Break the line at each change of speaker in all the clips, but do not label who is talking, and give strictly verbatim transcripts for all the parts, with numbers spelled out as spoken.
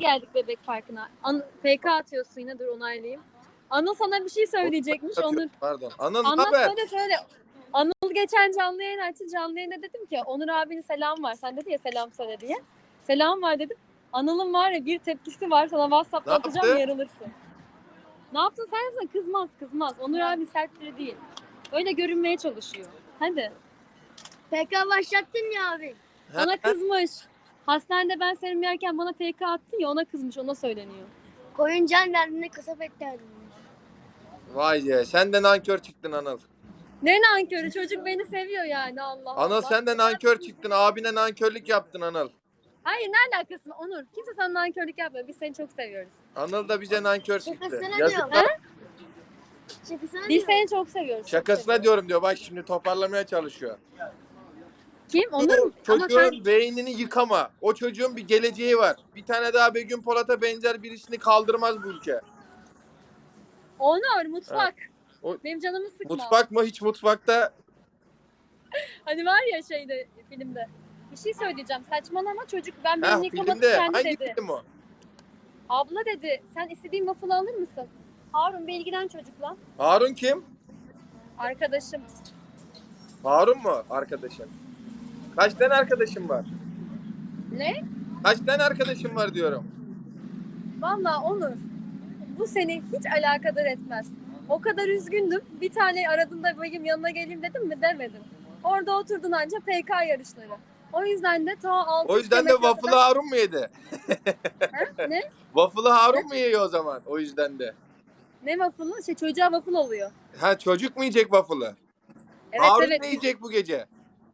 geldik Bebek Parkı'na. An F K atıyorsun yine, dur onaylayayım. Anıl sana bir şey söyleyecekmiş. Onur.
Pardon. Anıl
Anlat
haber?
söyle söyle. Anıl geçen canlı yayın açtı. Canlı yayında dedim ki Onur abinin selam var. Sen dedi ya selam söyle diye. Selam var dedim. Anıl'ın var ya bir tepkisi var. Sana WhatsApp'ta
Ne
atacağım,
yaptı?
yarılırsın. Ne yaptın sen yapsana? Kızmaz kızmaz. Onur abi sert biri değil. Öyle görünmeye çalışıyor. Hadi.
P K başlattın ya abi.
Ona kızmış. Hastanede ben serum yerken bana F K attın ya, ona kızmış, ona söyleniyor.
Koyun can derdinde kasap et derdinde.
Vay be, sen de nankör çıktın Anıl.
Ne nankörü, çocuk beni seviyor yani, Allah Allah.
Anıl sen de nankör çıktın, abine nankörlük yaptın Anıl.
Hayır, ne alakası var Onur? Kimse sana nankörlük yapmıyor, biz seni çok seviyoruz.
Anıl da bize nankör çıktı.
Şakasına
Yazıklar.
diyorum. Şakasına
Biz
diyorum.
seni çok seviyoruz.
Şakasına diyorum diyor, bak şimdi toparlamaya çalışıyor.
Kim? Onur mu? Ama
Çocuğun
sen...
beynini yıkama. O çocuğun bir geleceği var. Bir tane daha Begüm Polat'a benzer birisini kaldırmaz bu ülke.
Onur, mutfak.
O-
Benim canımı sıkma.
Mutfak mı? Hiç mutfakta.
Hani var ya şeyde, filmde. Bir şey söyleyeceğim, saçmalama çocuk, ben
Ha,
benim yıkamadım
filmde.
kendi
Hangi
dedi.
film o?
Abla dedi, sen istediğin waffle alır mısın? Harun bir ilgilen çocukla.
Harun kim?
Arkadaşım.
Harun mu arkadaşın? Kaç tane arkadaşın var?
Ne?
Kaç tane arkadaşın var diyorum.
Vallahi Onur, bu seni hiç alakadar etmez. O kadar üzgündüm. Bir tane aradığında benim yanına geleyim dedim mi, demedim. Orada oturdun anca P K yarışları. O yüzden de ta altı
O yüzden de waffle'ı Harun mu yedi?
Ha? Ne?
Waffle'ı Harun mu yiyor o zaman? O yüzden de.
Ne waffle'ı? Şey, çocuğa waffle oluyor.
Ha, çocuk mu yiyecek waffle'ı?
Evet
Harun
evet.
ne yiyecek bu gece?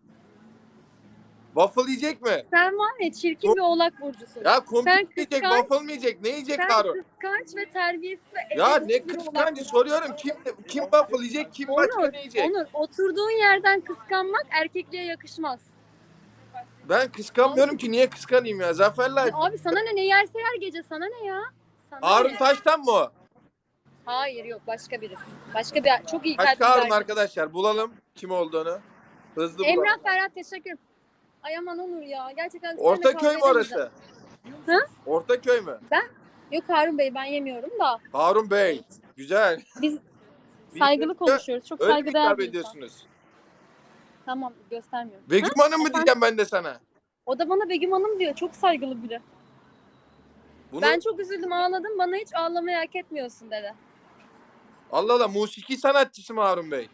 Waffle yiyecek mi?
Sen var ya çirkin bir oğlak burcusun.
Ya kumpir
Sen
mi yiyecek,
kıskanç-
waffle mı yiyecek? Ne yiyecek
Sen
Harun?
kıskanç ve terbiyesiz ve
Ya
egoist
ne
bir oğlak
kıskancı
burcusun.
soruyorum. Kim kim waffle yiyecek, kim başka
Onur,
ne yiyecek?
Onur, oturduğun yerden kıskanmak erkekliğe yakışmaz.
Ben kıskanmıyorum ki, niye kıskanayım ya? Zafer Life.
Abi sana ne, ne yerse yer gece, sana ne ya? Sana
Harun
ne?
Taş'tan mı o?
Hayır yok, başka birisi. Başka bir çok iyi
Başka
kalpli bir
Harun
arkadaş.
arkadaşlar, bulalım kim olduğunu. Hızlı bulalım.
Emrah Ferhat, teşekkür. Ay aman Onur ya, gerçekten. seninle
Ortaköy mü
kavga
orası?
edemeyeceğim. Hı?
Ortaköy mü?
Yok Harun Bey, ben yemiyorum da.
Harun Bey. Güzel.
Biz
Biz
saygılı
de-
konuşuyoruz. Çok
Öyle mi
saygıdeğer
hitap
bir insan.
ediyorsunuz?
Tamam, göstermiyorum.
Begüm
Ha?
Hanım mı
Efendim?
diyeceğim ben de sana?
O da bana Begüm Hanım diyor. Çok saygılı biri.
Bunu...
Ben çok üzüldüm, ağladım. Bana hiç ağlamayı hak etmiyorsun dedi.
Allah Allah, musiki sanatçısı mı Harun Bey?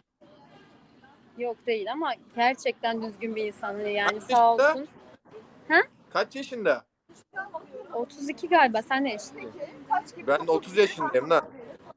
Yok değil ama gerçekten düzgün bir insan. Hani yani
Kaç
sağ
yaşında?
olsun.
Kaç yaşında?
otuz iki galiba. Sen ne yaşındasın?
Ben otuz yaşındayım lan.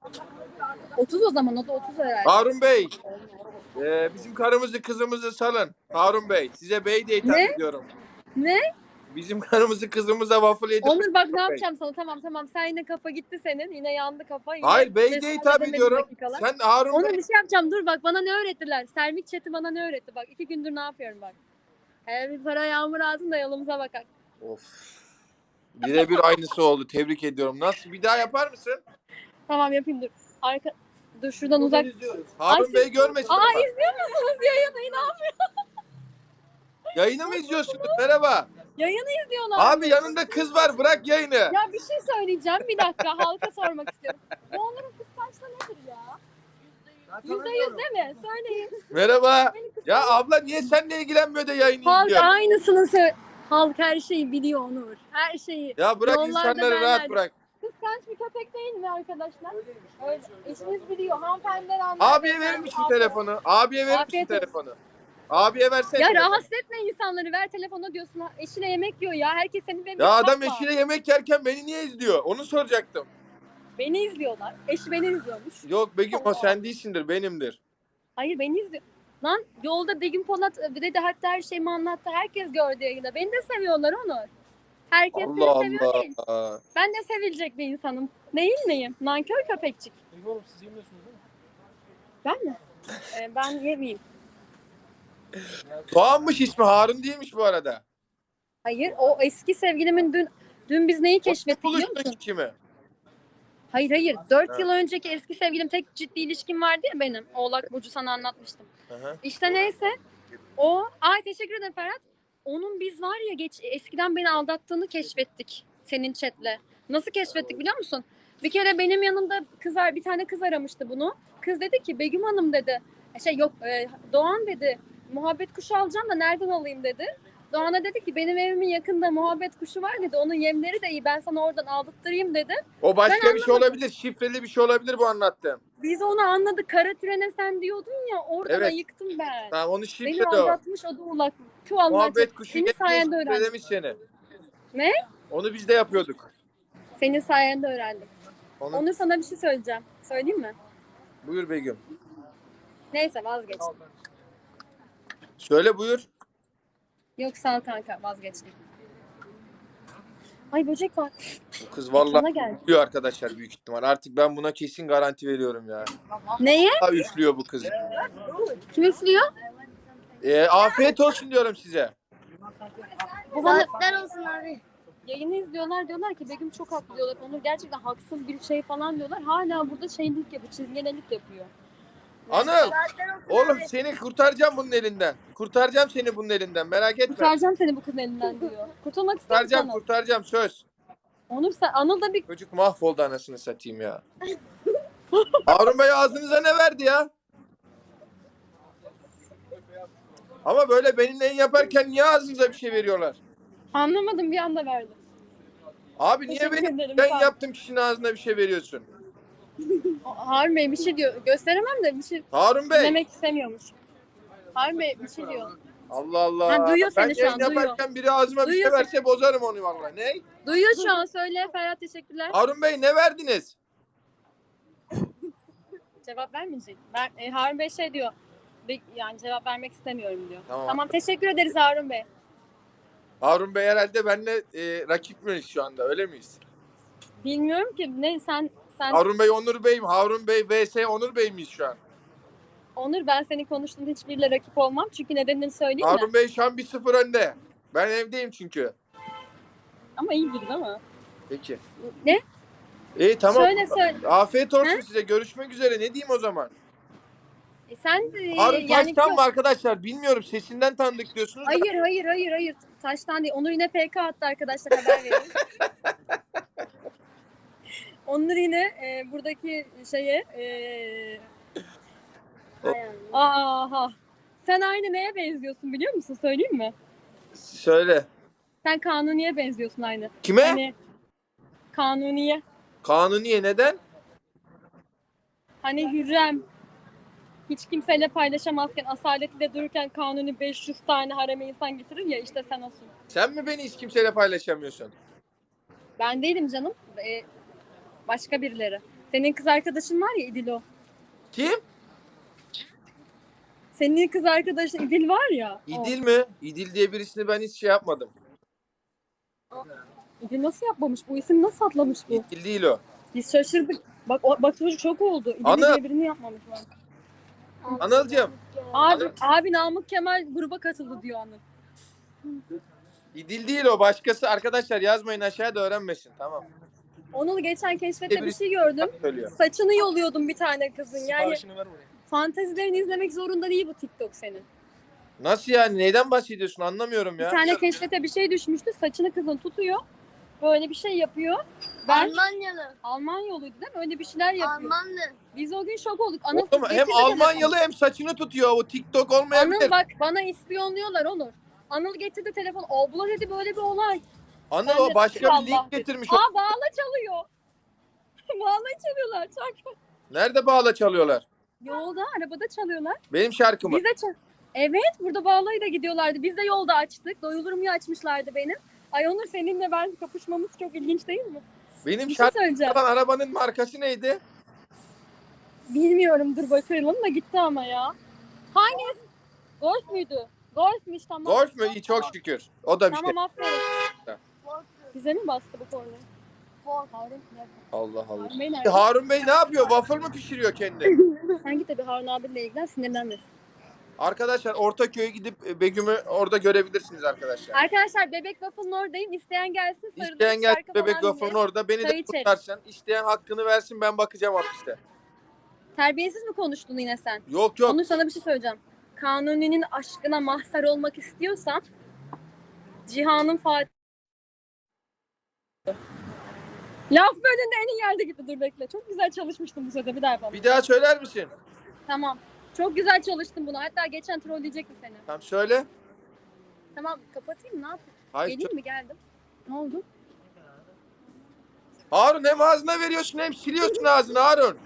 otuz o zaman. O da otuz herhalde.
Harun Bey. e, bizim karımızı kızımızı salın. Harun Bey. Size bey diye hitap
Ne?
ediyorum.
Ne?
Bizim karımızı kızımıza waffle yedir.
Onur bak ne
Bey.
yapacağım sana. Tamam tamam. Sen yine kafa gitti senin. Yine yandı kafa. Yine
Hayır, bey
mesai
diye hitap
edemediğin
ediyorum.
dakikalar.
Sen Harun
Onur
Bey.
bir şey yapacağım. Dur bak, bana ne öğrettiler? Sermik chat'i bana ne öğretti? Bak iki gündür ne yapıyorum bak. Her bir para yağmur ağzın da yolumuza bakar.
Of. Birebir aynısı oldu. Tebrik ediyorum. Nasıl? Bir daha yapar mısın?
Tamam yapayım dur. Arka... Dur şuradan uzak.
Harun
Ay,
Bey görmesin
Aa
ama.
izliyor musunuz yayını? İnanmıyorum.
Yayını mı izliyorsunuz? Merhaba.
Yayını izliyorlar.
Abi yanında kız var. Bırak yayını.
Ya bir şey söyleyeceğim. Bir dakika halka sormak istiyorum. Bu Onur'un kıskançlığı nedir ya? Yüzde yüz değil mi? Söyleyin.
Merhaba.
Beni kıskanç-
Ya abla niye seninle ilgilenmiyor da yayını
Halk
izliyor?
aynısını söyle. Halk her şeyi biliyor Onur. Her şeyi.
Ya bırak
Yollarda
insanları
derler.
rahat bırak.
Kıskanç bir köpek değil mi arkadaşlar? Öyle. Eşiniz biliyor. Hanımefendiler anlar.
Abiye verir misin telefonu? Abiye verir misin
Afiyet olsun.
telefonu? Abiye versene.
Ya
telefonu.
rahatsız etme insanları. Ver telefonu diyorsun. Eşine yemek yiyor ya. Herkes seni benim.
Ya adam eşiyle yemek yerken beni niye izliyor? Onu soracaktım.
Beni izliyorlar. Eşi beni izliyormuş.
Yok Begüm, o sen değilsindir, benimdir.
Hayır beni izliyor. Lan yolda Begüm Polat dedi, hatta her şeyimi anlattı. Herkes gördü yayında. Beni de seviyorlar Onur. Herkes
Allah
seni seviyor değil.
Allah.
Ben de sevilecek bir insanım. Değil miyim? Nankör köpekçik.
Begüm Hanım siz yemiyorsunuz değil mi?
Ben mi? Ee, ben yemeyeyim.
Doğanmış ismi, Harun değilmiş bu arada.
Hayır, o eski sevgilimin dün dün biz neyi keşfettik biliyor
Buluştun
musun?
kimi?
Hayır hayır. Dört
Ha.
yıl önceki eski sevgilim, tek ciddi ilişkim vardı ya benim. Oğlak Burcu, sana anlatmıştım.
Aha.
İşte neyse. O, ay teşekkür ederim Ferhat. Onun biz var ya geç eskiden beni aldattığını keşfettik. Senin chatle. Nasıl keşfettik biliyor musun? Bir kere benim yanımda kız ar- bir tane kız aramıştı bunu. Kız dedi ki Begüm Hanım dedi. E, Şey yok e, Doğan dedi. Muhabbet kuşu alacağım da nereden alayım dedi. Doğan'a dedi ki benim evimin yakında muhabbet kuşu var dedi. Onun yemleri de iyi. Ben sana oradan aldırtırayım dedi.
O başka
Ben
bir şey olabilir. Şifreli bir şey olabilir bu anlattığım.
Biz onu anladık. Kara trene sen diyordun ya. Oradan
Evet.
ayıktım ben.
Tamam onu
Beni
şifreli o.
aldatmış o da ulak. Tu Allah
Muhabbet
çok-
kuşu
Senin
diye
sayende öğrendim.
şifrelemiş seni.
Ne?
Onu biz de yapıyorduk.
Senin sayende öğrendim.
Onu...
Onur sana bir şey söyleyeceğim. Söyleyeyim mi?
Buyur Begüm.
Neyse vazgeç.
Söyle buyur.
Yok sağ ol kanka vazgeçtim. Ay böcek var.
Bu kız
Bana
vallahi
geldi.
üflüyor arkadaşlar büyük ihtimal. Artık ben buna kesin garanti veriyorum ya.
Neye?
Ha üflüyor bu kız.
Kim üflüyor?
Ee, afiyet olsun diyorum size.
Bu bana
Saatler olsun abi.
yayını izliyorlar diyorlar ki Begüm çok haklı diyorlar. Onur gerçekten haksız bir şey falan diyorlar. Hala burada şeylik yapıyor, çizgenelik yapıyor.
Anıl.
Saatler olsun
Oğlum
abi.
seni kurtaracağım bunun elinden. Kurtaracağım seni bunun elinden. Merak etme.
Kurtaracağım seni bu kızın elinden diyor. Kurtulmak ister misin
Kurtaracağım,
Anıl?
kurtaracağım söz.
Onur sen, Anıl da bir
Çocuk mahvoldu anasını satayım ya. Harun Bey ağzınıza ne verdi ya? Ama böyle benimle yayın yaparken niye ağzınıza bir şey veriyorlar?
anlamadım bir anda verdi.
Abi niye
Teşekkür
benim
ederim,
ben
sağ ol.
yaptığım kişinin ağzına bir şey veriyorsun?
Harun Bey bir şey diyor. Gösteremem de bir şey
Harun Bey.
demek istemiyormuş. Harun Bey bir şey diyor.
Allah Allah.
Ha, duyuyor
ben
seni şu
yayın
an, duyuyor.
yaparken biri ağzıma bir
Duyuyor
şey verse bozarım onu vallahi. Ne?
Duyuyor şu an söyle Ferhat teşekkürler.
Harun Bey ne verdiniz?
Cevap vermeyecek. Ben, e, Harun Bey şey diyor. "Be- Yani cevap vermek istemiyorum diyor.
Tamam.
Tamam teşekkür ederiz Harun Bey.
Harun Bey herhalde benimle e, rakip miyiz şu anda öyle miyiz?
Bilmiyorum ki ne sen sen
Harun Bey Onur Bey mi? Harun Bey vs Onur Bey miyiz şu an?
Onur ben senin konuştuğun hiçbiriyle rakip olmam. Çünkü nedenini söyleyeyim
Harun
mi?
Bey şu an bir sıfır önde. Ben evdeyim çünkü.
Ama iyi biri değil mi?
Peki.
Ne?
İyi tamam.
Söyle söyle.
Afiyet olsun
He?
size. Görüşmek üzere. Ne diyeyim o zaman?
E, sen de,
Harun
yani
Taş'tan mı arkadaşlar? Bilmiyorum. Sesinden tanıdık diyorsunuz da.
Hayır hayır hayır hayır. Taştan değil. Onur yine P K attı arkadaşlar haber vereyim. Onur yine e, buradaki şeye e, aha. Sen aynı neye benziyorsun biliyor musun? Söyleyeyim mi?
Söyle.
Sen Kanuni'ye benziyorsun aynı.
Kime?
Hani Kanuni'ye.
Kanuniye neden?
Hani Hürrem hiç kimseyle paylaşamazken asaletiyle dururken Kanuni beş yüz tane hareme insan getirir ya işte sen olsun.
Sen mi beni hiç kimseyle paylaşamıyorsun?
Ben değilim canım. Ee, başka birileri. Senin kız arkadaşın var ya İdilo.
Kim?
Senin kız arkadaşın İdil var ya. o.
İdil mi? İdil diye birisini ben hiç şey yapmadım.
İdil nasıl yapmamış? Bu isim nasıl atlamış bu?
İdil değil o.
Biz şaşırdık. Bak o, bak çocuk çok oldu. İdil
Ana!
diye birini yapmamış. Bak.
Anılcığım.
Abi, abi Namık Kemal gruba katıldı diyor Anıl.
İdil değil o. Başkası. Arkadaşlar yazmayın aşağıya da öğrenmesin. Tamam.
Onur geçen keşfette bir
Birisi-
şey gördüm.
Söylüyor.
Saçını yoluyordum bir tane kızın. Yani
Siparişini ver buraya.
fantezilerini izlemek zorunda değil bu TikTok senin.
Nasıl yani? Neyden bahsediyorsun? Anlamıyorum
Bir
ya.
tane keşfete bir şey düşmüştü. Saçını kızın tutuyor. Böyle bir şey yapıyor. Ben
Almanyalı.
Alman yoluydu değil mi? Öyle bir şeyler yapıyor.
Almanlı.
Biz o gün şok olduk. Anıl
Oğlum, hem
getirdi
Almanyalı hem saçını tutuyor. O TikTok
telefonu.
olmayabilir.
Anıl bak bana ispiyonluyorlar Onur. Anıl getirdi telefon. Abla dedi böyle bir olay.
Anıl
Ben
o
de
başka bir
Allah
link
dedim.
getirmiş.
Aa bağla çalıyor. bağla çalıyorlar. Çok.
Nerede bağla çalıyorlar?
Yolda arabada çalıyorlar.
Benim şarkımı.
Biz de çal. Evet burada bağlayı da gidiyorlardı. Biz de yolda açtık. Doyulurum ya açmışlardı benim. Ay Onur seninle ben kapışmamız çok ilginç değil mi?
Benim
Bir şey
şarkım
söyleyeceğim.
yapan arabanın markası neydi?
Bilmiyorum dur bakalım da gitti ama ya. Hangisi? Golf müydü? Golfmüş tamam.
Golf mü? İyi çok şükür. O da bir şey.
Tamam aferin.
Tamam.
Bize mi bastı bu korna? Harun,
Allah Allah.
Harun Bey nerede?
Harun Bey ne yapıyor? Waffle mı pişiriyor kendi?
Sen git de bir Harun abinle ilgilen sinirlenmesin.
Arkadaşlar Ortaköy'e gidip e, Begüm'ü orada görebilirsiniz arkadaşlar.
Arkadaşlar Bebek Waffle'ın oradayım. İsteyen gelsin sarılın.
İsteyen gel
şarkı
Bebek
falan
Waffle'ın
diye.
orada. Beni
Çay
de
içelim.
kutlarsın. İsteyen hakkını versin ben bakacağım hapiste.
Terbiyesiz mi konuştun yine sen?
Yok yok.
Onu sana bir şey söyleyeceğim. Kanuni'nin aşkına mahzar olmak istiyorsan Cihan'ın Fatih Laf bölümünde en iyi yerde gitti. Dur bekle. Çok güzel çalışmıştım bu sözde. Bir daha yapalım.
Bir daha söyler misin?
Tamam. Çok güzel çalıştım bunu. Hatta geçen trolleyecektim seni.
Tamam söyle.
Tamam kapatayım mı? Ne yapayım?
Hayır.
Geleyim mi? Geldim. Ne oldu?
Harun hem ağzına veriyorsun hem siliyorsun ağzını Harun.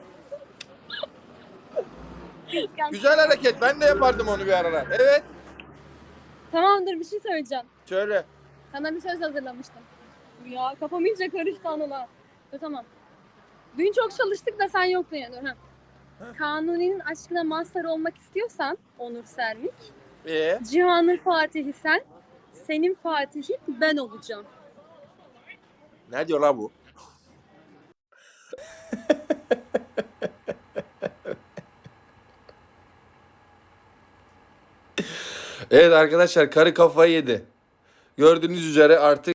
Güzel hareket. Ben de yapardım onu bir aralar. Evet.
Tamamdır, bir şey söyleyeceğim.
Söyle.
Sana bir söz hazırlamıştım. Ya kafam iyice karıştı anıla. Dur tamam. Dün çok çalıştık da sen yoktun ya. Dur, ha. Kanuni'nin aşkına mazhar olmak istiyorsan Onur Sermik,
Ee?
Cihan'ın Fatihi sen, senin Fatihi ben olacağım.
Ne diyor la bu? Evet arkadaşlar, karı kafayı yedi. Gördüğünüz üzere artık